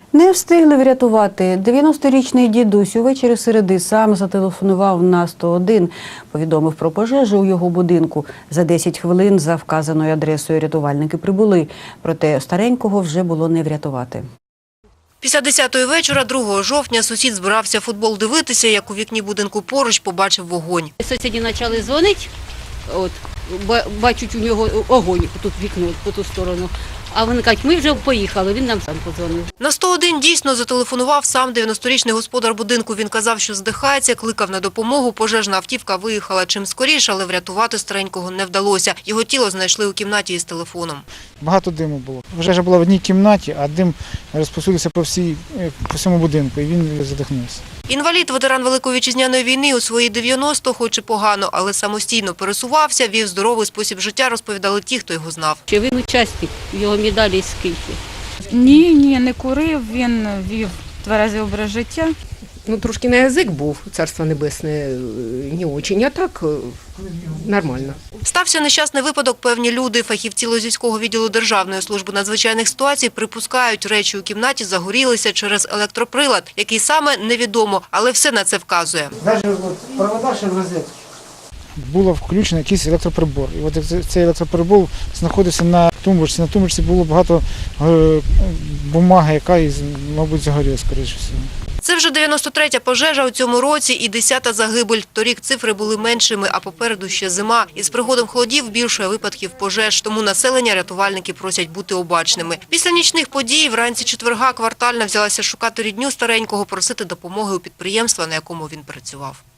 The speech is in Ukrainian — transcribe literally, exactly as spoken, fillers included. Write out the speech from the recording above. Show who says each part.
Speaker 1: Не встигли врятувати. дев'яносторічний дідусь увечері середи сам зателефонував на сто один. Повідомив про пожежу у його будинку. За десять хвилин за вказаною адресою рятувальники прибули. Проте старенького вже було не врятувати.
Speaker 2: Після десятої вечора другого жовтня сусід збирався футбол дивитися, як у вікні будинку поруч побачив вогонь.
Speaker 3: Сусіди почали дзвонити, от, бачать у нього огонь тут вікно, по ту сторону. А вони кажуть, ми вже поїхали, він нам сам подзвонив.
Speaker 2: На сто один дійсно зателефонував сам дев'яносторічний господар будинку. Він казав, що здихається, кликав на допомогу. Пожежна автівка виїхала чим скоріше, але врятувати старенького не вдалося. Його тіло знайшли у кімнаті із телефоном.
Speaker 4: Багато диму було. Пожежа була в одній кімнаті, а дим розповсюдився по, всій, по всьому будинку, і він задихнувся.
Speaker 2: Інвалід, ветеран Великої Вітчизняної війни, у свої дев'яносто, хоч і погано, але самостійно пересувався, вів здоровий спосіб життя, розповідали ті, хто його знав.
Speaker 3: Чи він учасник, його медалі скільки?
Speaker 5: Ні, ні, не курив, він вів тверезий образ життя.
Speaker 6: Ну, трошки на язик був, царство небесне, не очень, а так нормально.
Speaker 2: Стався нещасний випадок, певні люди. Фахівці Лозівського відділу Державної служби надзвичайних ситуацій припускають, речі у кімнаті загорілися через електроприлад, який саме невідомо, але все на це вказує.
Speaker 4: Навіть провода ще в розетці. Було включено якийсь електроприбор. І от цей електроприбор знаходився на тумбочці. На тумбочці було багато бумаги, яка, мабуть, загоріла, скоріше всього.
Speaker 2: Це вже дев'яносто третя пожежа у цьому році і десята загибель. Торік цифри були меншими, а попереду ще зима. Із приходом холодів більше випадків пожеж, тому населення рятувальники просять бути обачними. Після нічних подій вранці четверга квартальна взялася шукати рідню старенького, просити допомоги у підприємства, на якому він працював.